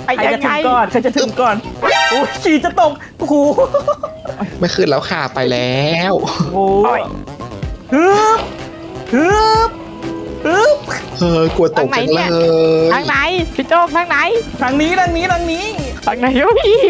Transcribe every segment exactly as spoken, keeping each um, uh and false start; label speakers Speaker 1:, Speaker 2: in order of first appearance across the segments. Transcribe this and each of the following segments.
Speaker 1: ใครจะถึงก่อนใครจะถึงก่อนโอ้ยขี่จะตกโอ้โห
Speaker 2: ไม่ขึ้นแล้วค่ะไปแล้ว
Speaker 1: โอ้ยฮึบฮึบฮึบ
Speaker 2: เออกลัวตกจังเลย
Speaker 3: ทางไหนพี่โจ๊กทางไหน
Speaker 1: ทางนี้ทางนี้ทางนี้
Speaker 3: ทางไหนวะพี่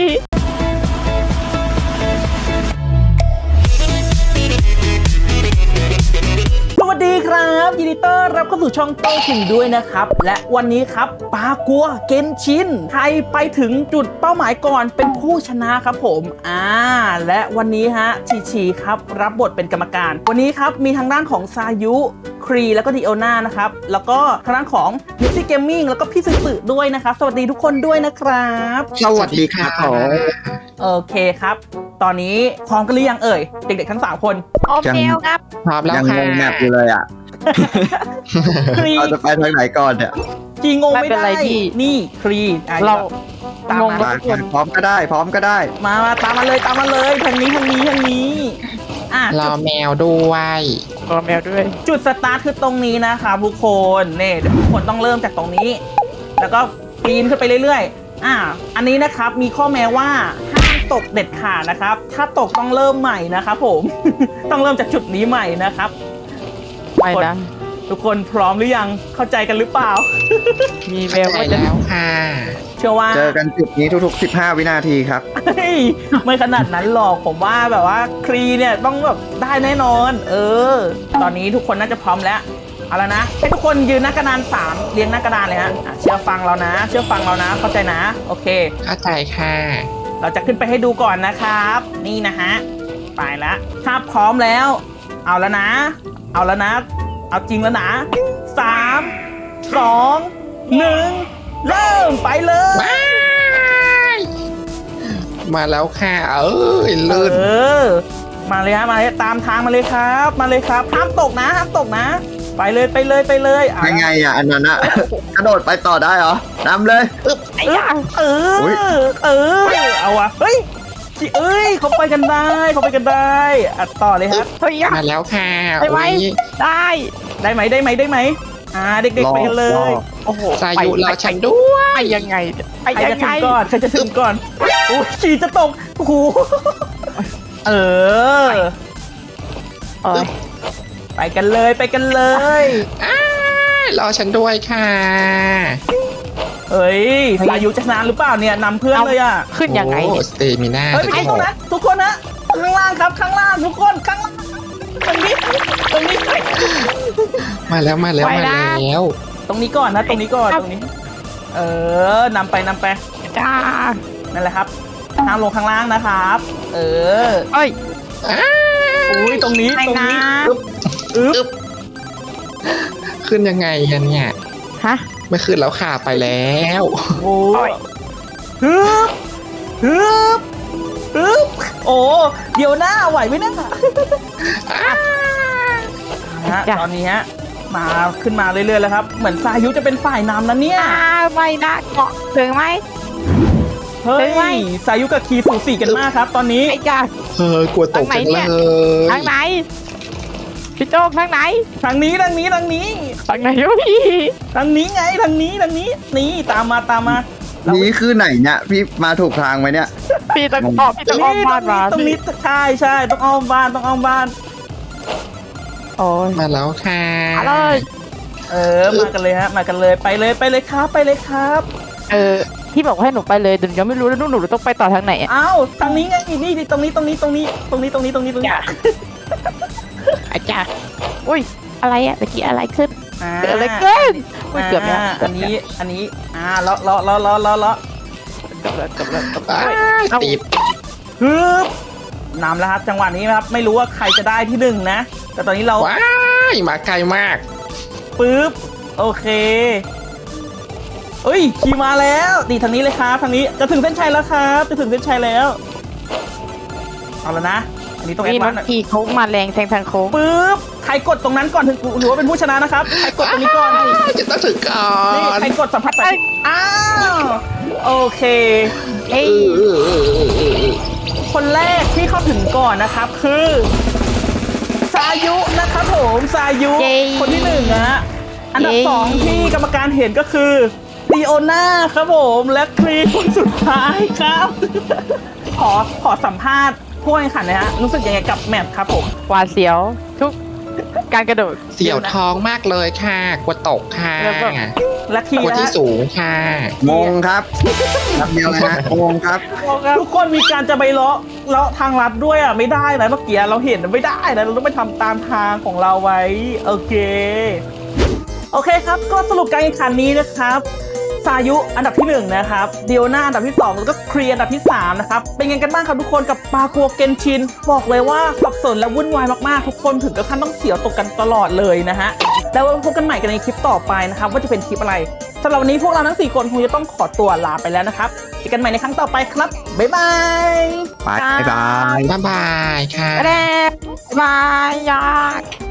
Speaker 1: สวัสดีครับยินดีต้อนรับเข้าสู่ช่องโต้ถึงด้วยนะครับและวันนี้ครับปากัวเกนชินใครไปถึงจุดเป้าหมายก่อนเป็นผู้ชนะครับผมอ่าและวันนี้ฮะชีชีครับรับบทเป็นกรรมการ วันนี้ครับมีทางด้านของซายุครีแล้วก็ดิโอนานะครับแล้วก็ทางด้านของมิซี่เกมมิ่งแล้วก็พี่สึสึด้วยนะครับสวัสดีทุกคนด้วยนะครับ
Speaker 2: สวัสดีค่ะ
Speaker 1: โอเคครับตอนนี้พร้อมกันหรือยังเอ่ยเด็กๆทั้งสามคน
Speaker 3: โอเคครับ
Speaker 2: พร้อมแล้ว
Speaker 4: ยัง
Speaker 2: ค่ะ
Speaker 4: งงแมปอยู่เลยอ่ะ
Speaker 1: ครี
Speaker 4: เราจะไปทางไหนก่อนเนี่ย
Speaker 1: จีงงไม่ได้นี่ครีอ่ะ
Speaker 3: เรา
Speaker 1: ตาม
Speaker 3: งง
Speaker 1: มา
Speaker 3: แล้ว
Speaker 4: ไปพร้อมก็ได้ พร้อมก็ได้
Speaker 1: มามาตามมาเลยตามมาเลยทางนี้ทางนี้ทางนี้อ่ะ
Speaker 2: รอแมวด้วย
Speaker 3: รอแมวด้วย
Speaker 1: จุดสตาร์ทคือตรงนี้นะครับทุกคนเนี่ยเดี๋ยวทุกคนต้องเริ่มจากตรงนี้ แล้วก็ปีนขึ้นไปเรื่อยๆอ่ะอันนี้นะครับมีข้อแม้ว่าห้ามตกเด็ดขาดนะครับ ถ้าตกต้องเริ่มใหม่นะครับผม ต้องเริ่มจากจุดนี้ใหม่นะครับ
Speaker 3: ไม่นะ
Speaker 1: ทุกคนพร้อมหรือยังเข้าใจกันหรือเปล่า
Speaker 3: มีแว
Speaker 2: เข้าว ใจ
Speaker 3: ว่าจะ
Speaker 2: แล้วค่ะ
Speaker 1: เชื่อว่า
Speaker 4: เจอกันจุดนี้ทุกๆ สิบห้า วินาทีครับ
Speaker 1: เฮ้ยไม่ขนาดนั้นหรอกผมว่าแบบว่าครีเนี่ยต้องแบบได้แน่นอน เออ ตอนนี้ทุกคนน่าจะพร้อมแล้วเอาแล้วนะให้ทุกคนยืนหน้ากระดานสามเรียงหน้ากระดานเลยฮะอ่ะเชื่อฟังเรานะ เชื่อฟังเรานะ เข้าใจนะ โอเค
Speaker 2: เข้าใจค่ะ
Speaker 1: เราจะขึ้นไปให้ดูก่อนนะครับ นี่นะฮะไปละถ้าพร้อมแล้ว เอาแล้วนะ เอาแล้วนะ เอาจริงแล้วนะสามสองหนึ่งเริ่มไปเลย
Speaker 2: ว้ายมาแล้วค่ะเอ้ย
Speaker 1: เอ
Speaker 2: ลื่น
Speaker 1: อ มาเลยฮะมาเลยตามทางมาเลยครับ มาเลยครับห้ามตกนะห้ามตกนะ ไปเลยไปเลยไปเลยอ่ะ
Speaker 4: ยังไงอ่ะ อันนั้นอ่ะ กระโดดไปต่อได้เหรอ นำเลย
Speaker 3: ไอ้ยา
Speaker 1: เออ
Speaker 4: อุ๊ย
Speaker 1: เออเอาวะเฮ้ยจิเอ้ยเขาไปกันได้เขาไปกันได้อัดต่อเลยครับ
Speaker 3: เฮ้ยยา
Speaker 2: มาแล้วค่ะ
Speaker 3: ไปไหม
Speaker 2: อุ๊ย
Speaker 3: ได้
Speaker 1: ได้ไหมได้ไหมได้ไหมอ่าเด็ก
Speaker 4: ร
Speaker 1: ๆ
Speaker 4: อ
Speaker 1: ไปกันเลย
Speaker 4: รอ
Speaker 3: โอ้โห
Speaker 2: สายุ
Speaker 3: ไป
Speaker 2: รอ
Speaker 3: ไป
Speaker 2: ฉันด้วย
Speaker 3: ไปยังไงไป
Speaker 1: ใคร
Speaker 3: ยั
Speaker 1: จะ
Speaker 3: ง
Speaker 1: ถึ
Speaker 3: ไง
Speaker 1: งก่อนใครจะถึงก่อนโอ้ยขี่จะตกโอ้โหเออ
Speaker 3: เออ
Speaker 1: ไปกันเลยไปกันเลย
Speaker 2: อ้ายรอฉันด้วยค่ะ
Speaker 1: เฮ้ยสายุจะชนะหรือเปล่าเนี่ยนำเพื่อนเลยอ่ะ
Speaker 3: ขึ้นยังไง
Speaker 2: โอ้
Speaker 3: เนี่ย
Speaker 2: สเตมิน่า
Speaker 1: เฮ้ยไม่ใช่ตรงนั้นทุกคนนะข้างล่างครับข้างล่างทุกคนข้างล่างตรงนี้ตรงนี้
Speaker 2: มาแล้วมาแล้ว
Speaker 3: ไป
Speaker 2: มา
Speaker 3: นะ
Speaker 2: แล้ว
Speaker 1: ตรงนี้ก่อนนะตรงนี้ก่อนตรงนี้ เออนำไปนำไป
Speaker 3: จ้า
Speaker 1: นั่นแหละครับห้ามลงข้างล่างนะครับ เออ
Speaker 3: เอ้ย
Speaker 2: อ้า
Speaker 1: อุ้ยตรงนี้
Speaker 3: ไป
Speaker 1: ตรง
Speaker 3: นะ
Speaker 1: นี้อึ๊บอึ๊บ
Speaker 2: ขึ้นยังไงกันเนี่ย
Speaker 3: ฮะ
Speaker 2: ไม่ขึ้นแล้วค่ะไปแล้ว
Speaker 1: โอ้
Speaker 3: โอ้
Speaker 1: ย
Speaker 3: ย
Speaker 1: ฮึบฮึบฮึบโอ้เดี๋ยวหน้าไหวไหมเนะ
Speaker 2: อ้า
Speaker 1: ฮะตอนนี้ฮะมาขึ้นมาเรื่อยๆแล้วครับ เหมือนสายุจะเป็นฝ่ายนำนะเนี่ย
Speaker 3: อ่าไม่นะเกาะถึงไหม
Speaker 1: เฮ้
Speaker 3: เห็นไหม
Speaker 1: ยสายุกับคีสูสีกันมากครับ ตอนนี้
Speaker 3: ไอ้จ้า
Speaker 2: เออกลัวตกจังเลย
Speaker 3: ทางไหนพี่โจ๊กทางไหน
Speaker 1: ทางนี้ทางนี้ทางนี้
Speaker 3: ทางไหนวะพี่
Speaker 1: ทางนี้ไงทางนี้ทางนี้นี่ตามมาตามมาเรา
Speaker 4: นี้คือไหนเนี่ย พี่มาถูกทางไหมเนี่ย
Speaker 3: พี่ต้องออกพี่ต้องอ้อมบ้านมา
Speaker 1: ตรงนี้ใช่ใช่ต้องอ้อมบ้านต้องอ้อมบ้าน
Speaker 3: โอ้ย
Speaker 2: มาแล้วค่ะ
Speaker 3: มาเลย
Speaker 1: เออมากันเลยฮะมากันเลยไปเลยไปเลยครับไปเลยครับ
Speaker 3: เออพี่บอกให้หนูไปเลยเดี๋ยวยังไม่รู้แล้วหนูหนูต้องไปต่อทางไหนอ่ะ
Speaker 1: อ้าวทางนี้ไงนี่นี่ตรงนี้ตรงนี้ตรงนี้ตรงนี้ตรงนี้ตรงนี้ตรงนี้
Speaker 3: อาจารย์อุ้ยอะไรอ่ะตะกี้อะไรขึ้น
Speaker 1: อ่า
Speaker 3: เกิดอะไรขึ้นอุ้ยเกือบแล้ว
Speaker 1: อ่า
Speaker 3: เกื
Speaker 1: อั
Speaker 3: อบ
Speaker 1: น
Speaker 3: แล้ว
Speaker 1: นี้อันนี้อ่าเลาะเลาะเลาะเลาะเลาะเลาะ
Speaker 3: เกือบแล้วเกือบแล้วเกือบแล้ว
Speaker 2: อ้าย
Speaker 3: เอ้า
Speaker 2: ติด
Speaker 1: ฮึบนำแล้วครับจังหวะนี้นะครับไม่รู้ว่าใครจะได้ที่หนึ่งนะ แต่ตอนนี้เรา
Speaker 2: ว้ายมาไกลมาก
Speaker 1: ปึ๊บโอเคเอ้ยขี่มาแล้วนี่ทางนี้เลยครับทางนี้จะถึงเส้นชัยแล้วครับจะถึงเส้นชัยแล้วเอาแล้วนะอันนี้ต้องแอ
Speaker 3: นี่
Speaker 1: ด
Speaker 3: น้
Speaker 1: วา
Speaker 3: อน ง
Speaker 1: ซ์หน่อย
Speaker 3: ขี่โค้งมาแรงแซงทางโค้ง
Speaker 1: ปึ๊บใครกดตรงนั้นก่อนถึงถือว่าเป็นผู้ชนะนะครับใครกดตรงนี้ก่อน
Speaker 2: จะต้องถึงก่อ
Speaker 1: นี่
Speaker 2: น
Speaker 1: ใครกดสัมผัสไปอ้าวโอเค
Speaker 3: เอ้ย
Speaker 2: เออเออเออเออเออ
Speaker 1: คนแรกที่เข้าถึงก่อนนะครับคือสายุนะครับผมสายุคนที่หนึ่งนะอันดับสองที่กรรมการเห็นก็คือดีโอน่าครับผมและครีคนสุดท้ายครับ ขอขอสัมภาษณ์ผู้แข่งขันหนะฮะรู้สึกยังไงกับแมปครับผม
Speaker 3: หวาดเสียวทุกการกระโดด
Speaker 2: เสี่ยวท้องมากเลยค่ะกลัวตกค่ะ
Speaker 3: แล้วก็
Speaker 1: และที
Speaker 2: กลัว
Speaker 1: นะ
Speaker 2: ที่
Speaker 1: ฮะ
Speaker 2: สูงค่ะ
Speaker 4: งงครับนับเดียวเลยฮะงงครับ
Speaker 1: ทุกคนมีการจะไปเลาะเลาะทางลัดด้วยอ่ะไม่ได้นะเมื่อกี้เราเห็นไม่ได้นะเราต้องไปทำตามทางของเราไว้โอเคโอเคครับก็สรุปการแข่งขันนี้นะครับสายุอันดับที่หนึ่งนะครับเดียวนาอันดับที่สองแล้วก็ครีอันดับที่สามนะครับเป็นไงกันบ้างครับทุกคนกับปากัวเกนชินบอกเลยว่าสับสนและวุ่นวายมากๆทุกคนถึงกับขั้นต้องเสียวตกกันตลอดเลยนะฮะแล้วพบกันใหม่กันในคลิปต่อไปนะครับว่าจะเป็นคลิปอะไรสำหรับวันนี้พวกเราทั้งสี่คนคงจะต้องขอตัวลาไปแล้วนะครับเจอกันใหม่ในครั้งต่อไปครับบ๊ายบาย
Speaker 4: บายบาย
Speaker 2: บ๊ายบายค่ะ
Speaker 3: แรกบายยาก